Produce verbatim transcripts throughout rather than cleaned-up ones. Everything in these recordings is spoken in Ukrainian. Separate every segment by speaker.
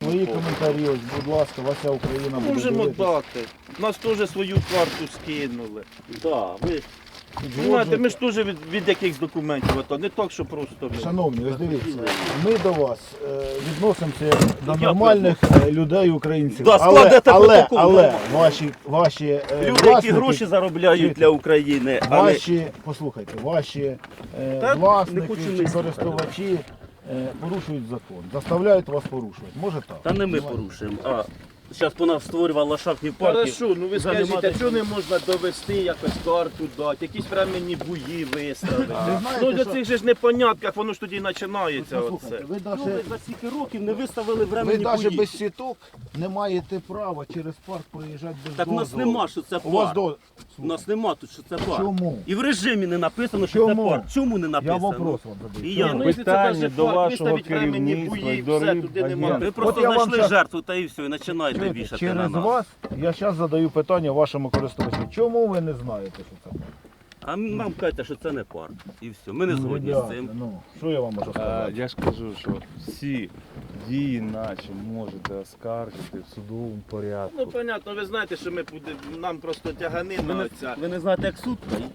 Speaker 1: Свої коментарі, ось, будь ласка, Вася Україна буде
Speaker 2: Можемо
Speaker 1: дивитися.
Speaker 2: дати. Нас теж свою карту скинули.
Speaker 3: Да, ви...
Speaker 2: Знаєте, ми ж теж від, від якихось документів, ото не так, що просто ми.
Speaker 1: Шановні, ось дивіться, ми до вас е, відносимося як до нормальних е, людей, українців.
Speaker 2: Да,
Speaker 1: але,
Speaker 2: складете
Speaker 1: але,
Speaker 2: протокол,
Speaker 1: але
Speaker 2: нормально.
Speaker 1: ваші, ваші е,
Speaker 2: Люди, які
Speaker 1: власники,
Speaker 2: гроші заробляють для України, а не...
Speaker 1: ваші, послухайте, ваші е,
Speaker 2: Та не
Speaker 1: власники
Speaker 2: хочу
Speaker 1: чи
Speaker 2: мислити.
Speaker 1: користувачі е, порушують закон, заставляють вас порушувати. Може так?
Speaker 3: Та не ми порушуємо, а зараз по нас створювали ландшафтні парки.
Speaker 2: Хорошо, ну ви
Speaker 3: Вже нема
Speaker 2: скажіть,
Speaker 3: де-
Speaker 2: а чого не можна довести якось карту дати, якісь временні буї виставити?
Speaker 1: Ви знаєте,
Speaker 2: Ну до
Speaker 1: що-
Speaker 2: цих же ж непонятках, воно ж тоді і починається
Speaker 1: Послухайте,
Speaker 2: оце.
Speaker 1: ви
Speaker 3: Ну, ви
Speaker 1: навіть
Speaker 3: за стільки років не виставили
Speaker 1: ви
Speaker 3: временні
Speaker 1: навіть
Speaker 3: бої.
Speaker 1: без сіток не маєте права через парк проїжджати без
Speaker 3: Так у нас
Speaker 1: дозволу.
Speaker 3: нема, що це
Speaker 1: У вас
Speaker 3: парк.
Speaker 1: до...
Speaker 3: У нас нема тут, що це парк.
Speaker 1: Чому?
Speaker 3: І в режимі не написано, що
Speaker 1: Чому?
Speaker 3: це парк. Чому не
Speaker 1: Я
Speaker 3: написано?
Speaker 1: вопрос вам задаю.
Speaker 3: І
Speaker 1: Чому?
Speaker 3: я.
Speaker 2: Ну, якщо це
Speaker 4: Питання
Speaker 2: даже
Speaker 4: до
Speaker 2: парк,
Speaker 4: вашого
Speaker 2: виставить временні
Speaker 4: керівництва
Speaker 2: бої,
Speaker 4: і до
Speaker 2: все,
Speaker 4: рів-
Speaker 2: туди нема.
Speaker 4: агентів.
Speaker 3: Ви просто
Speaker 1: От я вам
Speaker 3: знайшли
Speaker 1: щас-
Speaker 3: жертву та і все, і починаєте
Speaker 1: Чуєте,
Speaker 3: вішати на
Speaker 1: через
Speaker 3: нас.
Speaker 1: вас я зараз задаю питання вашому користувачу. Чому ви не знаєте, що це парк?
Speaker 3: А нам кажете, що це не парк. І все. Ми не
Speaker 1: Ну,
Speaker 3: згодні з
Speaker 1: ребята,
Speaker 3: цим.
Speaker 1: Ну, що я вам можу
Speaker 4: А,
Speaker 1: сказати?
Speaker 4: я ж кажу, що всі дії наші можете оскаржити в судовому порядку.
Speaker 2: Ну, понятно, ви знаєте, що ми будемо, нам просто тяганина
Speaker 3: Ви
Speaker 2: оця.
Speaker 3: не, ви не знаєте, як суд стоїть?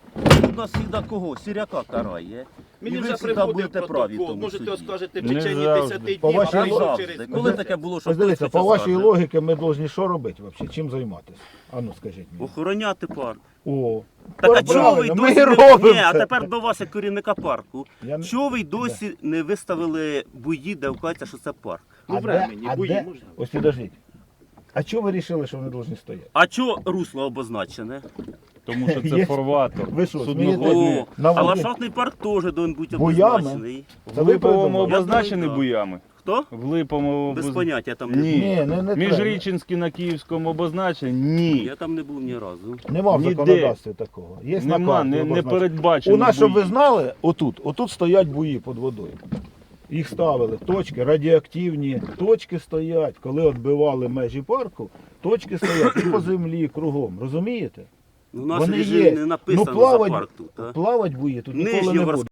Speaker 3: У нас завжди кого? Сіряка карає.
Speaker 2: Мені
Speaker 3: І ви
Speaker 2: вже
Speaker 3: завжди
Speaker 2: приходив
Speaker 3: будете праві в
Speaker 2: протокол,
Speaker 3: тому
Speaker 2: можете
Speaker 3: суді.
Speaker 2: оскаржити в
Speaker 4: Не
Speaker 2: течение
Speaker 4: завжди.
Speaker 2: десяти днів,
Speaker 1: По
Speaker 2: а
Speaker 1: вашій
Speaker 2: потім
Speaker 3: Завжди.
Speaker 2: через
Speaker 3: Коли таке було, що
Speaker 1: Ось дивіться,
Speaker 3: хтось
Speaker 1: по
Speaker 3: це
Speaker 1: вашій
Speaker 3: скаже?
Speaker 1: логіці ми повинні що робити взагалі? Чим займатися? А ну скажіть мені.
Speaker 3: Охороняти парк.
Speaker 1: О,
Speaker 3: Так а
Speaker 1: правильно,
Speaker 3: чого ви й
Speaker 1: ми
Speaker 3: досі
Speaker 1: і
Speaker 3: не...
Speaker 1: робимо
Speaker 3: Ні, а
Speaker 1: це.
Speaker 3: тепер до вас як керівника парку.
Speaker 1: Я не-
Speaker 3: Чого ви й досі не виставили бої, де вказується, що це парк?
Speaker 2: Ну,
Speaker 1: А де-
Speaker 2: времені,
Speaker 1: а
Speaker 2: бої
Speaker 1: де-
Speaker 2: можна.
Speaker 1: Ось підождіть. А чого ви вирішили, що вони повинні стояти?
Speaker 3: А чого русло обозначене?
Speaker 4: Тому що
Speaker 1: Є-
Speaker 4: це фарватер.
Speaker 1: Ви що,
Speaker 4: судноходний.
Speaker 3: О,
Speaker 1: На
Speaker 3: а
Speaker 1: воді.
Speaker 3: ландшафтний парк теж повинен бути
Speaker 1: Буями?
Speaker 3: обозначений.
Speaker 1: Це
Speaker 4: В
Speaker 1: ви
Speaker 4: Липовому
Speaker 1: придумали?
Speaker 4: обозначені
Speaker 3: Я думаю,
Speaker 4: буями?
Speaker 3: Хто?
Speaker 4: В Липовому
Speaker 3: Без
Speaker 4: обоз-
Speaker 3: поняття там не
Speaker 4: Ні.
Speaker 3: був.
Speaker 1: Ні, не, не треба.
Speaker 4: Міжрічинський на Київському обозначені? Ні.
Speaker 3: Я там не був ні разу.
Speaker 1: Нема в
Speaker 4: Ніде.
Speaker 1: законодавстві такого. Є на
Speaker 4: Нема,
Speaker 1: карті
Speaker 4: не, не
Speaker 1: обозначено.
Speaker 4: передбачено.
Speaker 1: У нас, щоб ви
Speaker 4: бої.
Speaker 1: знали, отут, отут стоять буї під водою. Їх ставили, точки, радіоактивні точки стоять. Коли відбивали межі парку, точки стоять і по землі, кругом. Розумієте?
Speaker 3: Ну, у нас
Speaker 1: Вони
Speaker 3: режим
Speaker 1: є.
Speaker 3: не написано
Speaker 1: Ну, плавать-
Speaker 3: за парк тут. А?
Speaker 1: Плавать буї тут ніколи
Speaker 3: Нижнього
Speaker 1: не буде.